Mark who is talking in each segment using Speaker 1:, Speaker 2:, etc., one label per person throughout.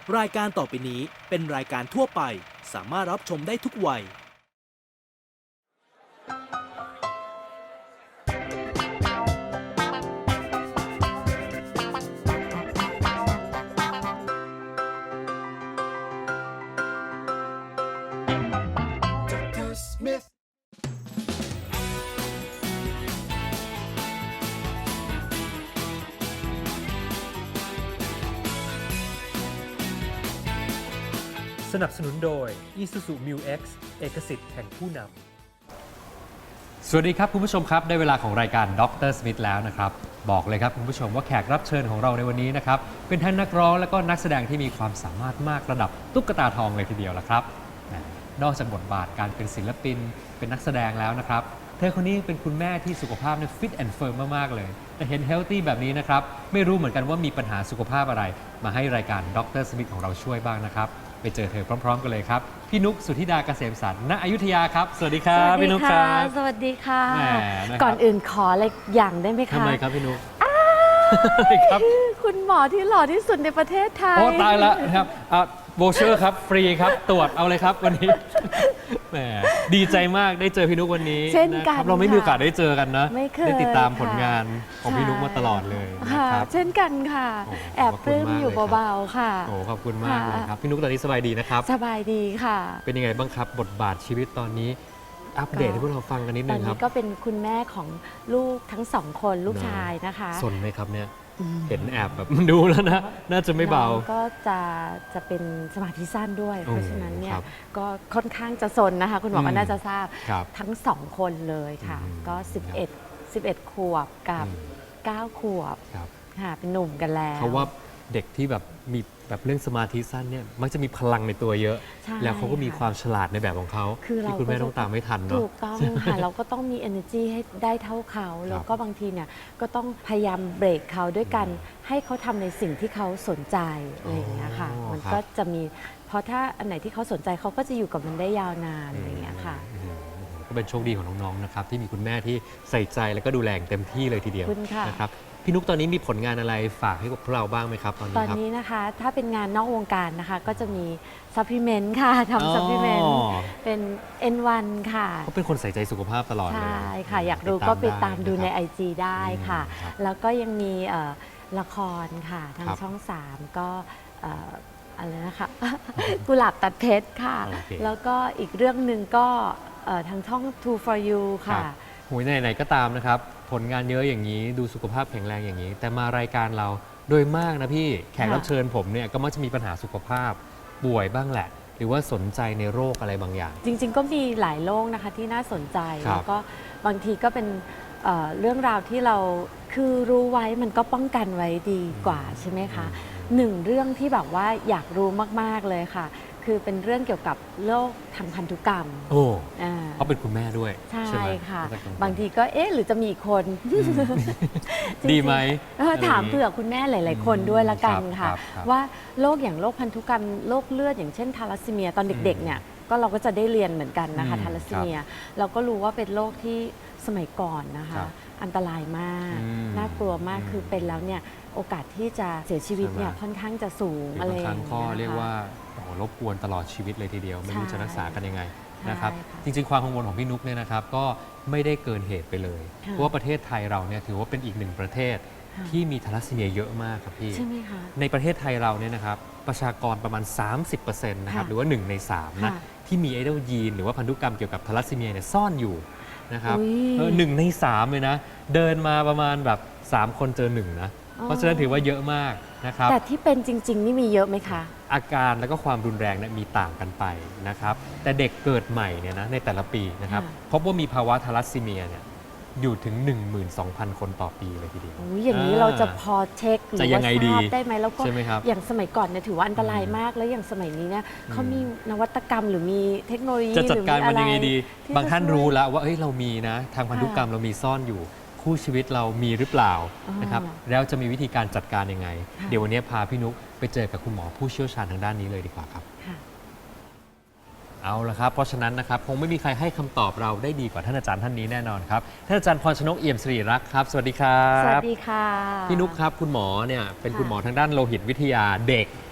Speaker 1: รายการต่อไปนี้เป็นรายการทั่วไปสามารถรับชมได้ทุกวัย
Speaker 2: สนับสนุนโดย Isuzu Mu-X เอกสิทธิ์แห่งผู้นำสวัสดีครับคุณผู้ชมครับได้เวลาของรายการดรสมิธแล้วนะครับบอกเลยครับคุณผู้ชมว่าแขกรับเชิญของเราในวันนี้นะครับเป็นทั้งนักร้องและก็นักแสดงที่มีความสามารถมากระดับตุ๊กตาทองเลยทีเดียวละครับนอกจากบทบาทการเป็นศิลปินเป็นนักแสดงแล้วนะครับเธอคนนี้เป็นคุณแม่ที่สุขภาพเนี่ยฟิตแอนด์เฟิร์มมากๆเลยแต่เห็นเฮลตี้แบบนี้นะครับไม่รู้เหมือนกันว่ามีปัญหาสุขภาพอะไรมาให้รายการดรสมิธของเราช่วยบ้างนะครับไปเจอเธอพร้อมๆกันเลยครับพี่นุกสุธิดาเกษมสรรณอยุธยาครับสวัสดีครับพี่นุกครับ
Speaker 3: สวัสดีค่ะ
Speaker 2: แหมนะครับ
Speaker 3: ก่อนอื่นขออะไรอย่างได้ไหมคะ
Speaker 2: ทำไมครับพี่นุก
Speaker 3: ครับคุณหมอที่หล่อที่สุดในประเทศไทย
Speaker 2: โอ้ตายแล้วนะครับโวเชอร์ครับฟรีครับตรวจเอาเลยครับวันนี้แหมดีใจมากได้เจอพี่นุกวันนี้
Speaker 3: เช่นกัน
Speaker 2: นะครับเราไม่มีโอกาสได้เจอกันนะ
Speaker 3: ไม่เคย
Speaker 2: ได้ติดตามผล
Speaker 3: ค่ะ
Speaker 2: งานของพี่นุกมาตลอดเลยนะ
Speaker 3: ค่ะ
Speaker 2: ครับ
Speaker 3: เช่นกันค่ะ
Speaker 2: โอ้
Speaker 3: แอบปลื้มอยู่
Speaker 2: ขอบคุณมากเลยครับ
Speaker 3: เบาๆค่ะ
Speaker 2: โอ้ขอบคุณมากเลย
Speaker 3: ค่ะ
Speaker 2: ครับพี่นุกตอนนี้สบายดีนะครับ
Speaker 3: สบายดีค่ะ
Speaker 2: เป็นยังไงบ้างครับบทบาทชีวิตตอนนี้อัปเดตให้พวกเราฟังกันนิด
Speaker 3: ต
Speaker 2: นึ
Speaker 3: อน
Speaker 2: งครั
Speaker 3: นี้
Speaker 2: บ
Speaker 3: ก็เป็นคุณแม่ของลูกทั้งสองคนลูกชายนะคะ
Speaker 2: สนไหมครับเนี่ย
Speaker 3: อืม
Speaker 2: เห็นแอบแบบ ดูแล้วนะน่าจะไม่เบา
Speaker 3: น้องก็จะเป็นสมาธิสั้นด้วย
Speaker 2: โอ้
Speaker 3: เพราะฉะนั้นเนี่
Speaker 2: ค
Speaker 3: ย
Speaker 2: รับ
Speaker 3: ก็ค่อนข้างจะสนนะคะ คุณหมอก็น่าจะทราบ
Speaker 2: ครับ
Speaker 3: ทั้งสองคนเลยค่ะ
Speaker 2: อืม
Speaker 3: ก็ 11 ขวบกับ 9 ขวบ
Speaker 2: ครับ
Speaker 3: ค่ะเป็นหนุ่มกันแล้ว
Speaker 2: เขาว่าเด็กที่แบบมีแบบเรื่องสมาธิสั้นเนี่ยมักจะมีพลังในตัวเยอะ
Speaker 3: ใช่
Speaker 2: แล้วเขาก็มีความฉลาดในแบบของเขา
Speaker 3: คือเรา
Speaker 2: ที่คุณแม่ต้องตามไม่ทันเนาะ
Speaker 3: ถูกต้องค่ะ เราก็ต้องมี energy ให้ได้เท่าเขา แล้วก็บางทีเนี่ยก็ต้องพยายามเบรกเขาด้วยกันให้เขาทำในสิ่งที่เขาสนใจอะไรอย่างเงี้ยค่ะ
Speaker 2: อ๋อ
Speaker 3: มัน
Speaker 2: ครับ
Speaker 3: ก็จะมีเพราะถ้าอันไหนที่เขาสนใจเขาก็จะอยู่กับมันได้ยาวนานอะไรอย่างเงี้ยค่ะ
Speaker 2: ก็เป็นโชคดีของน้องๆนะครับที่มีคุณแม่ที่ใส่ใจแล้วก็ดูแลอย่างเต็มที่เลยทีเดียว
Speaker 3: ขอบคุณค่ะ
Speaker 2: นะครับพี่นุกตอนนี้มีผลงานอะไรฝากให้กับพวกเราบ้างไหมครับตอน
Speaker 3: ต
Speaker 2: นี้
Speaker 3: อน
Speaker 2: ครับ
Speaker 3: นี้นะคะถ้าเป็นงานนอกวงการนะคะก็จะมีซัพพลีเมนต์ค่ะทำซัพพลีเมนต์เป็น N1 ค่ะ
Speaker 2: เขาเป็นคนใส่ใจสุขภาพตลอดเลย
Speaker 3: ใช่ค่ะ อยากรู้ก็ไปตามดูใน
Speaker 2: ไอ
Speaker 3: IG ได้ค่ะ
Speaker 2: ครับ
Speaker 3: แล้วก็ยังมีละครค่ะทาง
Speaker 2: ครับ
Speaker 3: ช่อง 3 ก็อะไรนะคะ กุหลาบตัดเพชรค่ะ
Speaker 2: โอเค
Speaker 3: แล้วก็อีกเรื่องหนึ่งก็ทางช่อง True for You ค่ะ
Speaker 2: หูยไหนๆก็ตามนะครับ ผลงานเยอะอย่างนี้ดูสุขภาพแข็งแรงอย่างนี้ แต่มารายการเราโดยมากนะพี่แขก
Speaker 3: ค่ะ
Speaker 2: รับเชิญผมเนี่ยก็มักจะมีปัญหาสุขภาพป่วยบ้างแหละ หรือว่าสนใจในโรคอะไรบางอย่าง
Speaker 3: จริงๆ ก็มีหลายโรคนะคะที่น่าสนใจ
Speaker 2: ครับ
Speaker 3: แล้วก็บางทีก็เป็นเรื่องราวที่เราคือรู้ไว้มันก็ป้องกันไว้ดีกว่าใช่ไหมคะหนึ่งเรื่องที่แบบว่าอยากรู้มากๆเลยค่ะ คือเป็นเรื่องเกี่ยวกับโรคทางพันธุกรรม
Speaker 2: โอ้
Speaker 3: อ่า
Speaker 2: เขาเป็นคุณแม่ด้วย
Speaker 3: ใช่
Speaker 2: ไหม
Speaker 3: ค่ะ
Speaker 2: ก็จะกังวล
Speaker 3: บางทีก็เอ๊ะหรือจะมีอีกคน จริงๆ
Speaker 2: ดีไหม
Speaker 3: ถามเผื่อคุณแม่หลาย ๆ คนด้วยละกันค่ะ
Speaker 2: ครับ
Speaker 3: ว่าโรคอย่างโรคพันธุกรรมโรคเลือดอย่างเช่นทาลัสซีเมียตอนเด็ก ๆ เนี่ยก็เราก็จะได้เรียนเหมือนกันนะคะ ทาลัสซีเมีย เราก็รู้ว่าเป็นโรคที่สมัยก่อนนะ
Speaker 2: ครั
Speaker 3: คะ
Speaker 2: บ
Speaker 3: อันตรายมาก น่ากลัวมากคือเป็นแล้วเนี่ยโอกาสที่จะเสียชีวิตเนี่ย
Speaker 2: ใช่ไหม
Speaker 3: ค่อนข้างจะสูง
Speaker 2: หรือ
Speaker 3: อะไร
Speaker 2: บาง
Speaker 3: อ
Speaker 2: ค
Speaker 3: ย่า
Speaker 2: รั้
Speaker 3: ง
Speaker 2: ง
Speaker 3: เงี้ย
Speaker 2: ก็
Speaker 3: นะคะ
Speaker 2: เรียกว่าโอ้โหรบกวนตลอดชีวิตเลยทีเดียว ไม่รู้จะรักษากันยังไง
Speaker 3: ใช่
Speaker 2: นะครับ
Speaker 3: ค่ะ
Speaker 2: จริงๆ ความกังวลของพี่นุ๊กเนี่ยนะครับก็ไม่ได้เกินเหตุไปเลย
Speaker 3: ค่ะ
Speaker 2: เพราะว่าประเทศไทยเราเนี่ยถือว่าเป็นอีกหนึ่งประเทศ
Speaker 3: ค่ะ
Speaker 2: ที่มีทาลัสซีเมียเยอะมากครับพี่
Speaker 3: ใช่ไหมคะ
Speaker 2: ในประเทศไทยเราเนี่ยนะครับประชากรประมาณ 30%นะครับ
Speaker 3: ค่ะ
Speaker 2: หรือว่า 1 ใน 3 นะ
Speaker 3: ค่ะ
Speaker 2: ที่มีไอเดลยีนหรือว่าพันธุกรรมเกี่ยวกับทาลัสซีเมียเนี่ยซ่อนอยู่นะครับ
Speaker 3: อุ๊ย
Speaker 2: หนึ่งใน 3 เลยนะ เดินมาประมาณแบบ 3 คนเจอ 1 นะ
Speaker 3: อ๋อ
Speaker 2: เพราะฉะนั้นถือว่าเยอะมากนะครับ
Speaker 3: แต่ที่เป็นจริง ๆ นี่มีเยอะไหมคะ
Speaker 2: อาการและก็ความรุนแรงเนี่ยมีต่างกันไปนะครับแต่เด็กเกิดใหม่เนี่ยนะในแต่ละปีนะครับ
Speaker 3: ค่ะ
Speaker 2: พบว่ามีภาวะทาลัสซีเมียเนี่ยอยู่ถึง 12,000 คนต่อปีเลยทีเดียว
Speaker 3: อุ๊ยอย่างนี้เราจะพอเช็คหรือ
Speaker 2: จะยั
Speaker 3: ว่าง
Speaker 2: ไง
Speaker 3: ท
Speaker 2: ดี
Speaker 3: ราบได้ไหมแล้วก็
Speaker 2: ใช่ไหมครับ
Speaker 3: อย่างสมัยก่อนเนี่ยถือว่าอันตรายมาก แล้วอย่างสมัยนี้เนี่ยเขามีนวัตกรรมหรือมีเทคโนโลยี
Speaker 2: จะจัดการมันยังไงดี
Speaker 3: ที่
Speaker 2: บางท่าน
Speaker 3: จะช่วย
Speaker 2: รู้แล้วว่าเอ้ยเรามีนะทางพันธุกรรมเรามีซ่อนอยู่ คู่ชีวิตเรามีหรือเปล่า
Speaker 3: อ๋อ
Speaker 2: นะครับแล้วจะมีวิธีการจัดการยังไง
Speaker 3: ค่ะ
Speaker 2: เดี๋ยววันนี้พาพี่นุ๊กไปเจอกับคุณหมอผู้เชี่ยวชาญทางด้านนี้เลยดีกว่าครับ
Speaker 3: ค่ะ
Speaker 2: เอาละครับเพราะฉะนั้นนะครับคงไม่มีใครให้คำตอบเราได้ดีกว่าท่านอาจารย์ท่านนี้แน่นอนครับท่านอาจารย์พรชนกเอี่ยมสิริรักษ์ครับสวัสดีครับ
Speaker 3: สวัสดีค่ะ
Speaker 2: พี่นุ๊กครับคุณหมอเนี่ยเป็น
Speaker 3: ค่ะ
Speaker 2: คุณหมอทางด้านโลหิตวิทยาเด็ก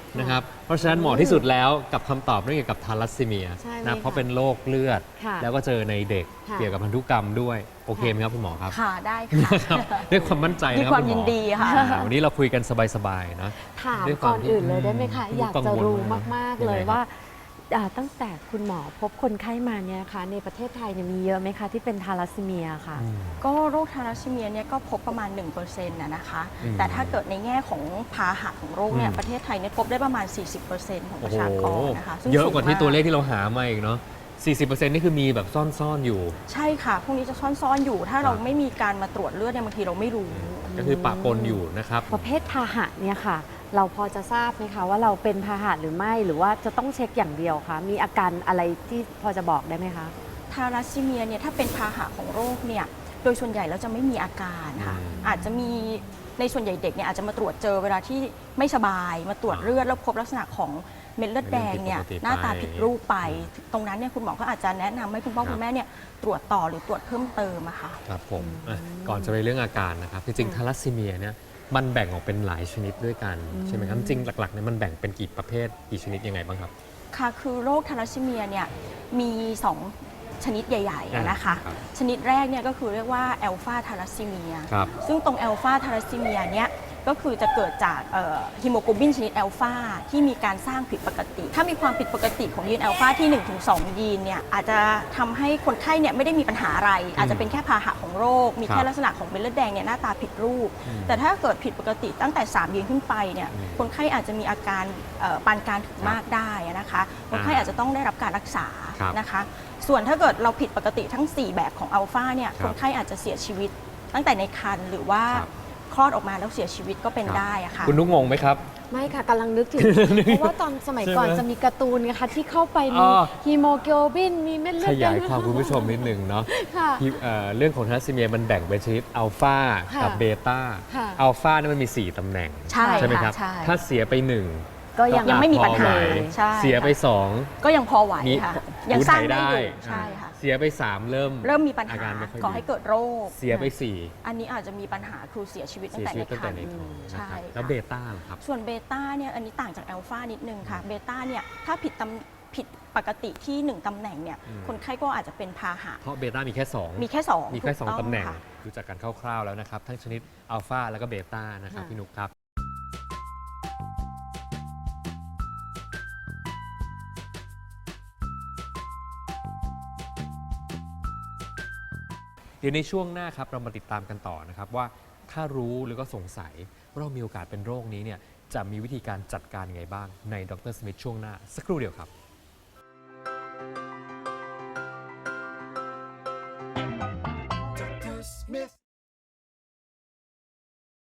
Speaker 2: นะครับเพราะฉะนั้นเหมาะที่สุดแล้วกับคำตอบเรื่องเกี่ยวกับทาลัสซีเมีย
Speaker 3: ใช่ไหม
Speaker 2: นะเพราะเป็นโรคเลือด
Speaker 3: ค่ะ
Speaker 2: แล้วก็เจอในเด็ก
Speaker 3: ค่ะ
Speaker 2: เกี่ยวกับพันธุกรรมด้วยโอเคไหมครับคุณหมอครับ
Speaker 4: ค่ะได้ค่ะ
Speaker 2: ครับด้วยความมั่นใจ
Speaker 4: ด้วย
Speaker 2: นะครับ
Speaker 4: ความ
Speaker 2: คุณหมอ
Speaker 4: ยินดีค่ะ
Speaker 2: วันนี้เราคุยกันสบายๆนะ
Speaker 3: ถาม
Speaker 2: ด้วยค
Speaker 3: ก่
Speaker 2: วา
Speaker 3: อ
Speaker 2: ม
Speaker 3: น
Speaker 2: ที่
Speaker 3: อื่นเลยได้ไหมคะ
Speaker 2: อืม
Speaker 3: อยากจะรู้มาก ๆ เลย
Speaker 2: ยังไงครับ
Speaker 3: ว่าตั้งแต่คุณหมอพบคนไข้มาเนี่ยนะคะในประเทศไทยเนี่ยมีเยอะไหมคะที่เป็นทาลัสซีเมียค่ะ
Speaker 2: อืม
Speaker 4: ก็โรคทาลัสซีเมียเนี่ยก็พบประมาณ 1%นะคะ
Speaker 2: อืม
Speaker 4: แต่ถ้าเกิดในแง่ของพาหะของโรคเนี่ย
Speaker 2: อืม
Speaker 4: ประเทศไทยเนี่ยพบได้ประมาณ 40%ของประชากรนะคะซึ่ง
Speaker 2: เยอะกว่าที่
Speaker 4: สูงม
Speaker 2: ตัวเลขที่เราหามาอีกเนาะ 40%นี่คือมีแบบซ่อนๆอยู่
Speaker 4: ใช่ค่ะ พวกนี้จะซ่อนๆอยู่ ถ้าเรา
Speaker 2: ครับ
Speaker 4: ไม่มีการมาตรวจเลือดเนี่ยบางทีเราไม่รู้
Speaker 2: ก็คือปะปนอยู่นะครับ
Speaker 3: ประเภทพาหะเนี่ยค่ะ เราพอจะทราบไหมคะว่าเราเป็นพาหะหรือไม่หรือว่าจะต้องเช็คอย่างเดียวคะมีอาการอะไรที่พอจะบอกได้ไหมคะ
Speaker 4: ทาลัสซีเมียเนี่ยถ้าเป็นพาหะของโรคเนี่ยโดยส่วนใหญ่แล้วจะไม่มีอาการค่ะ
Speaker 2: อืม
Speaker 4: อาจจะมีในส่วนใหญ่เด็กเนี่ยอาจจะมาตรวจเจอเวลาที่ไม่สบายมาตรวจเลือดแล้วพบลักษณะของเม็ดเลือดแดงเนี่ย
Speaker 2: เม็ดเลือดผิดปกติไป
Speaker 4: หน้าตาผิดรูปไป ตรงนั้นเนี่ยคุณหมอก็อาจจะแนะนำให้คุณพ่อ
Speaker 2: ครับ
Speaker 4: คุณแม่เนี่ยตรวจต่อหรือตรวจเพิ่มเติมอะค่ะ
Speaker 2: ครับผมก่อนจะไปเรื่องอาการนะครับจริงๆทาลัสซีเมียเนี่ยมันแบ่งออกเป็นหลายชนิดด้วยกันใช่ไหมครับจริงๆหลักๆเนี่ยมันแบ่งเป็นกี่ประเภทกี่ชนิดยังไงบ้างครับ
Speaker 4: ค่ะคือโรคทาลัสซีเมียเนี่ยมี 2 ชนิดใหญ่ๆนะคะ
Speaker 2: ครับ
Speaker 4: ชนิดแรกเนี่ยก็คือเรียกว่าแอลฟาทาลัสซีเมีย
Speaker 2: ครับ
Speaker 4: ซึ่งตรงแอลฟาทาลัสซีเมียเนี่ยก็คือจะเกิดจากฮีโมโกลบินชนิดแอลฟาที่มีการสร้างผิดปกติ ถ้ามีความผิดปกติของยีนแอลฟาที่ 1-2 ยีนเนี่ยอาจจะทำให้คนไข้เนี่ยไม่ได้มีปัญหาอะไร อาจจะเป็นแค่พาหะของโรค มี
Speaker 2: ครั
Speaker 4: แค่
Speaker 2: บ
Speaker 4: ลักษณะของเม็ดเลือดแดงเนี่ยหน้าตาผิดรูป
Speaker 2: อืม
Speaker 4: แต่ถ้าเกิดผิดปกติตั้งแต่ 3 ยีนขึ้นไปเนี่ย
Speaker 2: อืม
Speaker 4: คนไข้อาจจะมีอาการปานกลางถึงมากได้นะคะคนไข้อาจจะต้องได้รับการรักษา
Speaker 2: ครับ
Speaker 4: นะคะ ส่วนถ้าเกิดเราผิดปกติทั้ง 4 แบบของอัลฟาเนี่ย
Speaker 2: ครับ
Speaker 4: คนไข้อาจจะเสียชีวิตตั้งแต่ในครรภ์หรือว่า
Speaker 2: ครับ
Speaker 4: คลอดออกมาแล้วเสียชีวิตก็เป็นได้อะค่ะ
Speaker 2: คุณนุ๊กงงไหมครับ
Speaker 3: ไม่ค่ะกำลังนึกถึง เพราะว่าตอนสมัยก่อน
Speaker 2: ใช่ไหม
Speaker 3: จะมีการ์ตูนนะคะที่เข้าไปมี
Speaker 2: อ๋อ
Speaker 3: ฮีโมโกลบินมีเม็ดเลื
Speaker 2: ข
Speaker 3: อดแด
Speaker 2: ยาง ยความคุณผู้ชมนิดนึงเนาะ
Speaker 3: ค่ะ
Speaker 2: ที่เรื่องของทาลัสซีเมียมันแบ่งเป็นชนิดอัลฟา
Speaker 3: ค่ะ
Speaker 2: กับเบต้า
Speaker 3: ค่ะ
Speaker 2: อัลฟาเนี่ยมันมี 4 ตำแหน่ง
Speaker 4: ใช่
Speaker 2: ไหมครับ
Speaker 4: ค่ะใช่
Speaker 2: ถ้าเสียไป 1
Speaker 3: ก็ยัง
Speaker 4: ยังไม่มีปัญหา
Speaker 2: พอไหว
Speaker 4: ใช่
Speaker 2: เสียไป
Speaker 4: ค่ะ
Speaker 2: 2
Speaker 4: ก็ยังพอไหว
Speaker 2: มี
Speaker 4: ค่ะ ยังสร้างได้อยู่
Speaker 2: อ่า
Speaker 4: ใช่ค่ะ
Speaker 2: เสียไป 3 เริ่ม
Speaker 4: มีปัญหา
Speaker 2: อาการไม่ค่อย
Speaker 4: ก่อ
Speaker 2: ดี
Speaker 4: ให้เกิดโรค
Speaker 2: เสียไป
Speaker 4: อันนี้อาจจะมีปัญหาคือเสียชีวิต
Speaker 2: 4
Speaker 4: ตั้
Speaker 2: เสี
Speaker 4: ง
Speaker 2: ย
Speaker 4: แต่
Speaker 2: ชี
Speaker 4: ใน
Speaker 2: วิตตั้ง
Speaker 4: คร
Speaker 2: แต่
Speaker 4: รภ์
Speaker 2: ในท้องนะ
Speaker 4: ใช่
Speaker 2: ครับ
Speaker 4: ค่ะ
Speaker 2: แล้วเบต้าล่ะครับ
Speaker 4: ส่วนเบต้าเนี่ยอันนี้ต่างจากอัลฟานิดนึงค่ะเบต้าเนี่ยถ้าผิดปกติที่ 1 ตำแหน่งเนี่ย
Speaker 2: อืม
Speaker 4: คนไข้ก็อาจจะเป็นพาหะ
Speaker 2: เพราะเบต้ามีแค่ 2
Speaker 4: มีแค่2
Speaker 2: มีแค่
Speaker 4: ถูก
Speaker 2: 2 ตำแหน่ง
Speaker 4: ค่ะ
Speaker 2: รู้จักกันคร่าวๆแล้วนะครับ ทั้งชนิดอัลฟาแล้วก็เบต้านะครับ
Speaker 3: ค่ะ
Speaker 2: พี่นุกครับ เดี๋ยวในช่วงหน้าครับเรามาติดตามกันต่อนะครับว่าถ้ารู้หรือก็สงสัยว่าเรามีโอกาสเป็นโรคนี้เนี่ยจะมีวิธีการจัดการยังไงบ้างในดรสมิธช่วงหน้า สักครู่เดียวครับ
Speaker 5: Dr. Smith.